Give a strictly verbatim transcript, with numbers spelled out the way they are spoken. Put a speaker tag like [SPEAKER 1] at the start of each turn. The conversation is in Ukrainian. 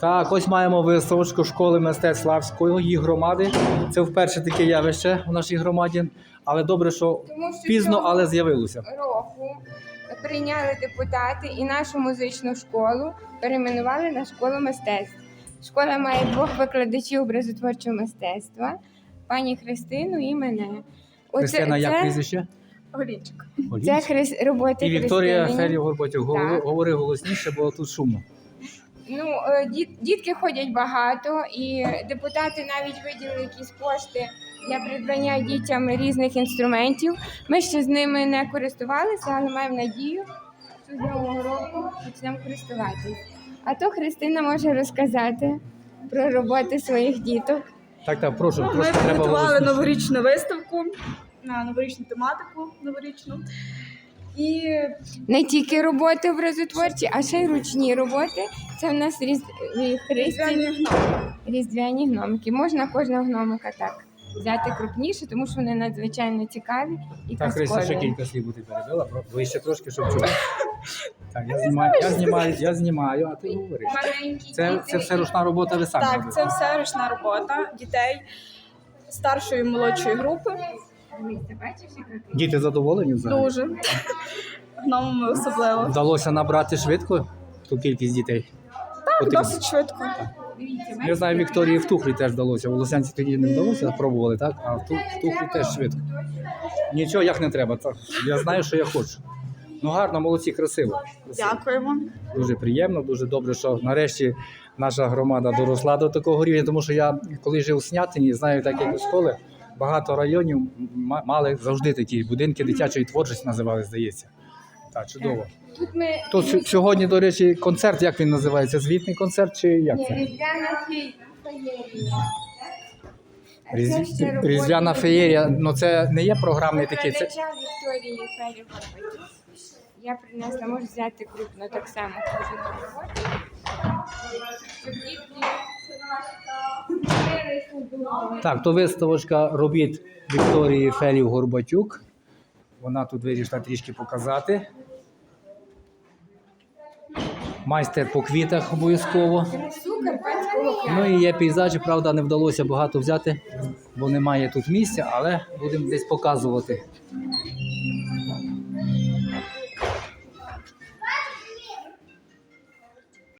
[SPEAKER 1] Так, ось маємо виставочку школи мистецтв Славської, її громади. Це вперше таке явище у нашій громаді, але добре, що,
[SPEAKER 2] Тому що
[SPEAKER 1] пізно,
[SPEAKER 2] цього
[SPEAKER 1] але з'явилося.
[SPEAKER 2] року прийняли депутати і нашу музичну школу перейменували на школу мистецтв. Школа має двох викладачів образотворчого мистецтва, пані Христину і мене. Оце-
[SPEAKER 1] Христина, як
[SPEAKER 2] це-
[SPEAKER 1] прізвище?
[SPEAKER 3] Голінчик.
[SPEAKER 2] Це хрис... роботи
[SPEAKER 1] І Вікторія
[SPEAKER 2] Христини.
[SPEAKER 1] Ферів Горбатюк. Говори,
[SPEAKER 2] Так.
[SPEAKER 1] говори голосніше, бо тут шумно.
[SPEAKER 2] Ну, е, діт, дітки ходять багато, і депутати навіть виділили якісь кошти для придбання дітям різних інструментів. Ми ще з ними не користувалися, але маємо надію, що з нового року почнемо користуватися. А то Христина може розказати про роботи своїх діток.
[SPEAKER 1] Так, так, прошу,
[SPEAKER 3] Ну, ми
[SPEAKER 1] просто треба
[SPEAKER 3] підготували
[SPEAKER 1] голосніше.
[SPEAKER 3] новорічну виставку на новорічну тематику новорічну. І
[SPEAKER 2] Не тільки роботи образотворчі, а ще й ручні роботи. Це в нас різ...
[SPEAKER 3] різдвяні
[SPEAKER 2] христі...
[SPEAKER 3] гноми.
[SPEAKER 2] різдвяні гномики. Можна кожного гномика так взяти крупніше, тому що вони надзвичайно цікаві і
[SPEAKER 1] Так, Христя, ще
[SPEAKER 2] казкові.
[SPEAKER 1] кілька слів ти перебила, вище трошки, щоб чути. Так, я знімаю, я знімаю, я знімаю, а ти говориш.
[SPEAKER 2] Маленькі
[SPEAKER 1] Це,
[SPEAKER 2] діти.
[SPEAKER 1] це все ручна робота, ви самі
[SPEAKER 3] Так,
[SPEAKER 1] робите?
[SPEAKER 3] це все ручна робота дітей старшої і молодшої групи.
[SPEAKER 2] Дивіться, бачиш, яка ти?
[SPEAKER 1] Діти задоволені взагалі?
[SPEAKER 3] Дуже. Гномами особливо.
[SPEAKER 1] Вдалося набрати швидко ту кількість дітей?
[SPEAKER 3] Так,
[SPEAKER 1] Потрібно.
[SPEAKER 3] досить швидко.
[SPEAKER 2] Дивіться,
[SPEAKER 1] Я
[SPEAKER 2] бачите,
[SPEAKER 1] знаю, Вікторії в Тухлі теж вдалося. У Лосянці тоді не вдалося, пробували, так? А в Ту- в Тухлі теж швидко. Нічого, як не треба. Так. Я знаю, що я хочу. Ну гарно, молодці, красиво. красиво.
[SPEAKER 3] Дякуємо.
[SPEAKER 1] Дуже приємно, дуже добре, що нарешті наша громада доросла до такого рівня, тому що я, коли жив у Снятині, знаю, так як у школи, багато районів м- мали завжди такі будинки дитячої творчості називали, здається. Так, чудово.
[SPEAKER 2] Тут ми
[SPEAKER 1] Тут с- сьогодні, до речі, концерт, як він називається? Звітний концерт чи як
[SPEAKER 2] Ні,
[SPEAKER 1] це?
[SPEAKER 2] різдвяна фе- феєрія. А
[SPEAKER 1] Різ-
[SPEAKER 2] це ще роботи
[SPEAKER 1] Різдвяна феєрія, ну це не є програмний такий, це
[SPEAKER 2] викладача Вікторії Ферів Горбатюк. Я принесла, можу взяти крупно так само кожну роботу. Щоб дітки дивилися вдома.
[SPEAKER 1] так, то виставочка робіт Вікторії Фелів Горбатюк. Вона тут вирішила трішки показати. Майстер по квітах обов'язково.
[SPEAKER 2] Красу карпатського краю.
[SPEAKER 1] Ну і є пейзажі, правда, не вдалося багато взяти, бо немає тут місця, але будемо десь показувати.